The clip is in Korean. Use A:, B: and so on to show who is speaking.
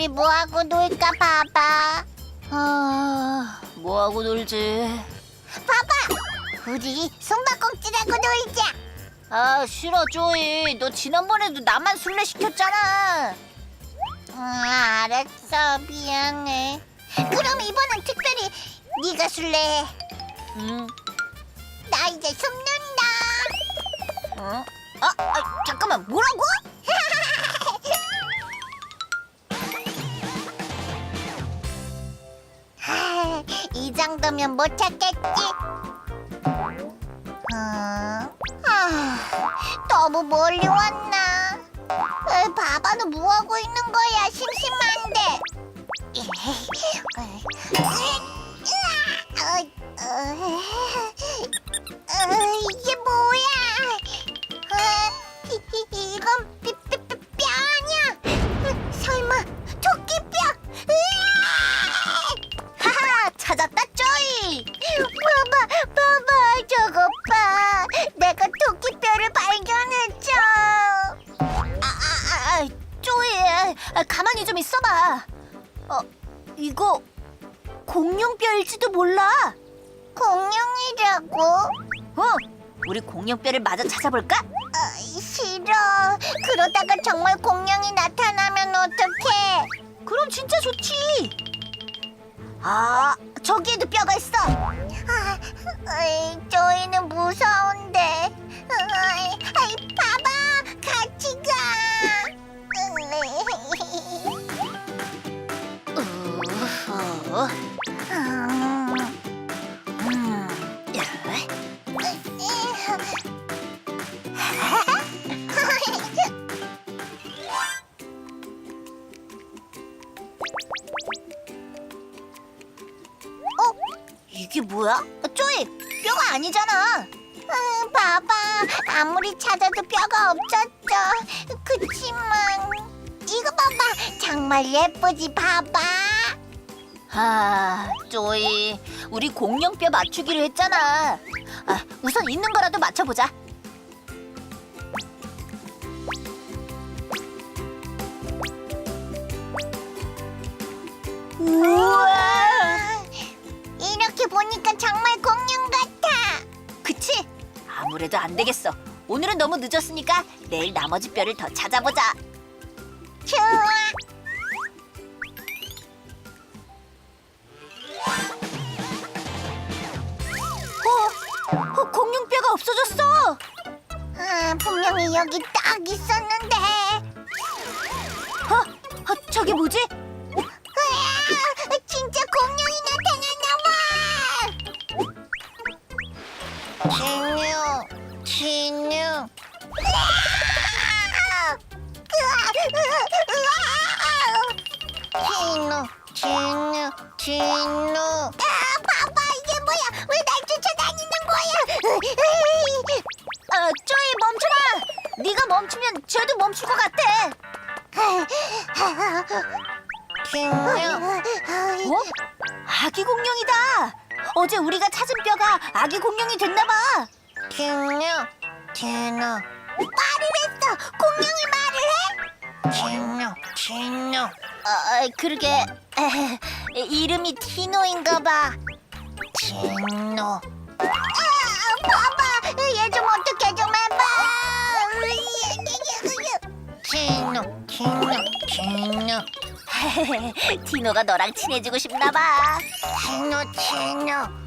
A: 우리 뭐하고 놀까 봐봐.
B: 뭐하고 놀지?
A: 봐봐. 우리 숨바꼭질하고 놀자.
B: 아, 싫어, 조이. 너 지난번에도 나만 술래 시켰잖아.
A: 알았어. 미안해. 그럼 이번엔 특별히 네가 술래해.
B: 응.
A: 나 이제 숨는다.
B: 어? 잠깐만, 뭐라고?
A: 이 정도면 못 찾겠지? 너무 멀리 왔나? 바바는 뭐하고 있는 거야? 심심한데. 이게 뭐야? 이건 뼈 아니야? 설마 토끼뼈?
B: 하하, 찾았다, 조이.
A: 봐봐, 저거 봐. 내가 토끼뼈를 발견했죠.
B: 조이. 가만히 좀 있어봐. 이거 공룡뼈일지도 몰라.
A: 공룡이라고?
B: 우리 공룡뼈를 마저 찾아볼까?
A: 싫어. 그러다가 정말 공룡이 나타나면 어떡해?
B: 그럼 진짜 좋지. 저기에도 뼈가 있어.
A: 저희는 무서운데. 봐봐, 같이 가.
B: 이게 뭐야? 조이, 뼈가 아니잖아.
A: 봐봐, 아무리 찾아도 뼈가 없었죠. 그치만 이거 봐봐, 정말 예쁘지? 봐봐.
B: 조이, 우리 공룡뼈 맞추기로 했잖아. 우선 있는 거라도 맞춰보자.
A: 우와, 이렇게 보니까 정말 공룡 같아.
B: 그치? 아무래도 안 되겠어. 오늘은 너무 늦었으니까 내일 나머지 뼈를 더 찾아보자.
A: 좋아.
B: 공룡뼈가 없어졌어.
A: 분명히 여기 딱 있었는데.
B: 저게 뭐지?
A: 진짜 공룡이 나타났나 봐. 진유. 진우. 봐봐, 이게 뭐야? 왜 날 쫓아다니는 거야?
B: 조이, 멈춰라. 네가 멈추면 쟤도 멈출 것 같아. 아기 공룡이다. 어제 우리가 찾은 뼈가 아기 공룡이 됐나 봐.
A: 진우. 말을 했어. 공룡이 말을 해? 진우.
B: 그러게. 이름이 티노인가 봐.
A: 진우. 봐봐, 얘 좀 어떻게 좀 해봐. 진우.
B: 티노가 너랑 친해지고 싶나 봐.
A: 진우.